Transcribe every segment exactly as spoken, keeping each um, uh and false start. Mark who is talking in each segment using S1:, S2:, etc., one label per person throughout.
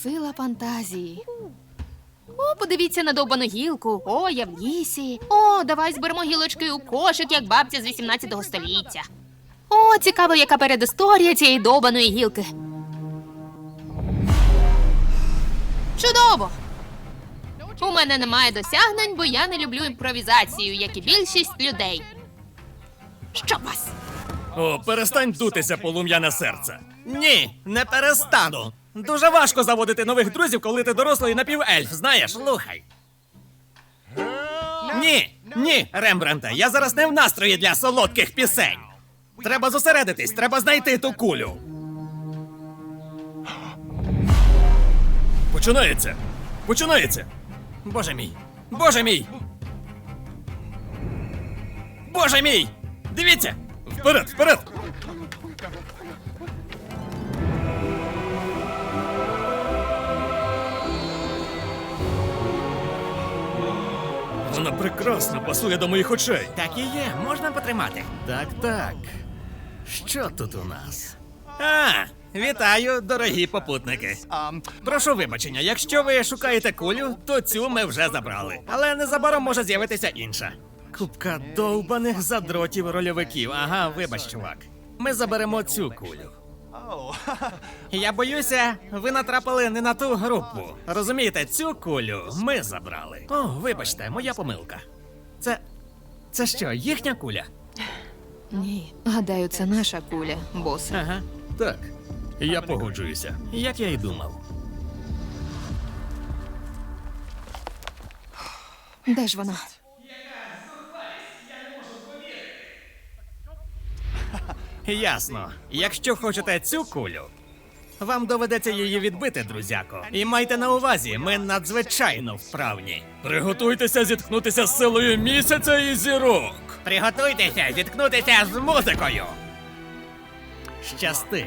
S1: Сила фантазії. О, подивіться на довбану гілку. О, я в лісі. О, давай зберемо гілочки у кошик, як бабця з вісімнадцятого століття. О, цікаво, яка передісторія цієї довбаної гілки. Чудово! У мене немає досягнень, бо я не люблю імпровізацію, як і більшість людей. Щоб вас!
S2: О, перестань дутися, полум'яне серце. Ні, не перестану. Дуже важко заводити нових друзів, коли ти дорослий напівельф, знаєш? Слухай. Ні, ні, Рембранте, я зараз не в настрої для солодких пісень. Треба зосередитись, треба знайти ту кулю. Починається. Починається. Боже мій. Боже мій. Боже мій. Дивіться. Вперед, вперед. Вона прекрасно пасує до моїх очей. Так і є, можна потримати. Так, так. Що тут у нас? А, вітаю, дорогі попутники. Прошу вибачення, якщо ви шукаєте кулю, то цю ми вже забрали. Але незабаром може з'явитися інша. Купка довбаних задротів рольовиків. Ага, вибач, чувак. Ми заберемо цю кулю. Я боюся, ви натрапили не на ту групу. Розумієте, цю кулю ми забрали. О, вибачте, моя помилка. Це. Це що, їхня куля?
S1: Ні, гадаю, це наша куля, босе.
S2: Ага, так. Я погоджуюся. Як я й думав.
S1: Де ж вона?
S2: Ясно. Якщо хочете цю кулю, вам доведеться її відбити, друзяко. І майте на увазі, ми надзвичайно вправні. Приготуйтеся зіткнутися з силою місяця і зірок. Приготуйтеся зіткнутися з музикою. Щасти.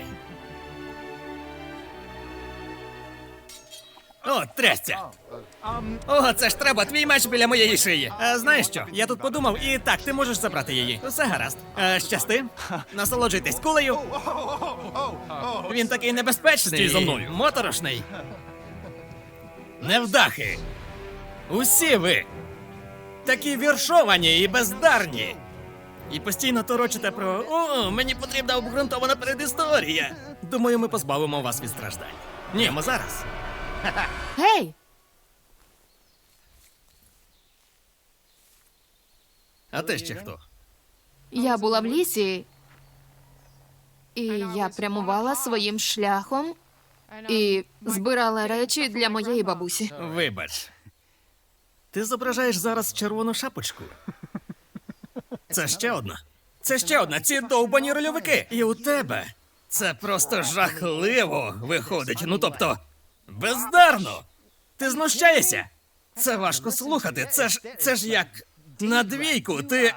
S2: О, трясця! О, це ж треба, твій меч біля моєї шиї. А, знаєш що, я тут подумав, і так, ти можеш забрати її. Все гаразд. А, щасти. Насолоджуйтесь кулею. Він такий небезпечний.
S3: Стій за мною.
S2: Моторошний. Невдахи. Усі ви. Такі віршовані і бездарні. І постійно торочите про «О, мені потрібна обґрунтована передісторія». Думаю, ми позбавимо вас від страждань. Ні, ми зараз.
S1: Гей!
S2: А ти ще хто?
S1: Я була в лісі, і я прямувала своїм шляхом і збирала речі для моєї бабусі.
S2: Вибач. Ти зображаєш зараз червону шапочку. Це ще одна. Це ще одна. Ці довбані рольовики. І у тебе це просто жахливо виходить. Ну, тобто, бездарно. Ти знущаєшся? Це важко слухати. Це ж, це ж як на двійку. Ти...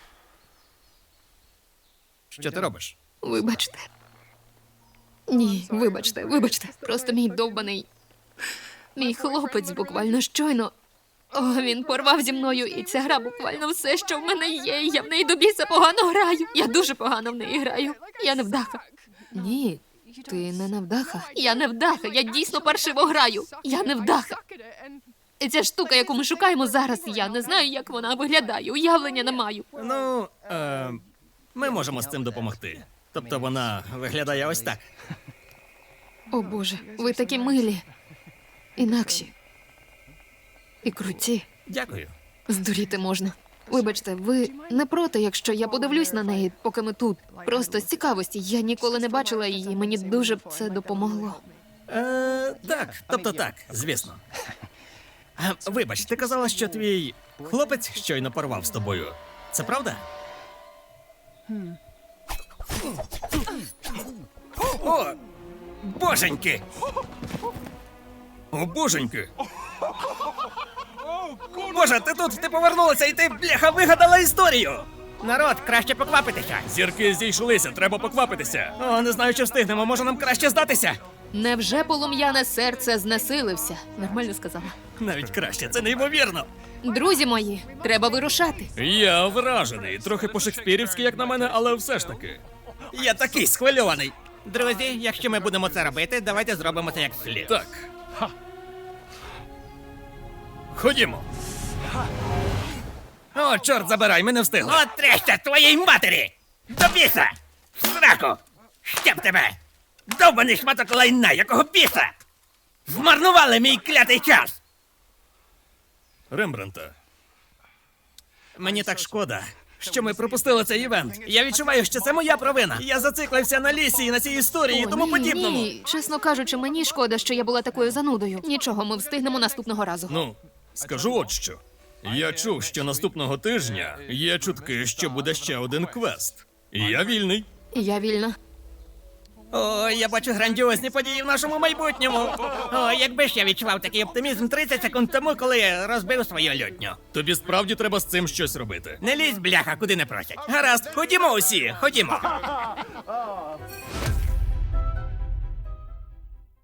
S2: Що ти робиш?
S1: Вибачте. Ні, вибачте, вибачте. Просто мій довбаний. Мій хлопець буквально щойно. О, він порвав зі мною, і ця гра буквально все, що в мене є. Я в неї до біса погано граю. Я дуже погано в неї граю. Я невдаха. Ні, ти не невдаха. Я невдаха, я дійсно паршиво граю. Я невдаха. І ця штука, яку ми шукаємо зараз, я не знаю, як вона виглядає. Уявлення не маю.
S2: Ну, е, ми можемо з цим допомогти. Тобто вона виглядає ось так.
S1: О Боже, ви такі милі. Інакші. І круті.
S2: Дякую.
S1: Здуріти можна. Вибачте, ви не проти, якщо я подивлюсь на неї, поки ми тут. Просто з цікавості. Я ніколи не бачила її, мені дуже б це допомогло.
S2: Е, так, тобто так, звісно. Е, вибач, ти казала, що твій хлопець щойно порвав з тобою. Це правда? О, боженьки! О, боженьки! Боже, ти тут, ти повернулася і ти, бляха, вигадала історію! Народ, краще поквапитися. Зірки зійшлися, треба поквапитися. О, не знаю, чи встигнемо, може нам краще здатися?
S1: Невже полум'яне серце знесилився? Нормально сказала.
S2: Навіть краще, це неймовірно.
S1: Друзі мої, треба вирушати.
S3: Я вражений. Трохи по-шекспірівськи, як на мене, але все ж таки.
S2: Я такий схвильований. Друзі, якщо ми будемо це робити, давайте зробимо це як слід.
S3: Так,
S2: Ходімо. О, чорт забирай, ми не встигли.
S4: От треща твоїй матері! До біса! В сраку! Щоб тебе! Довбаний шматок лайна, якого біса! Змарнували мій клятий час!
S2: Рембранта. Мені так шкода, що ми пропустили цей івент. Я відчуваю, що це моя провина. Я зациклився на лісі і на цій історії і
S1: О,
S2: тому
S1: ні,
S2: подібному.
S1: ні. Чесно кажучи, мені шкода, що я була такою занудою. Нічого, ми встигнемо наступного разу.
S3: Ну, скажу от що. Я чув, що наступного тижня є чутки, що буде ще один квест. І я вільний.
S1: Я вільна.
S2: О, я бачу грандіозні події в нашому майбутньому.
S4: О, якби ж я відчував такий оптимізм тридцять секунд тому, коли розбив свою лютню.
S3: Тобі справді треба з цим щось робити.
S4: Не лізь, бляха, куди не просять. Гаразд, ходімо усі, ходімо.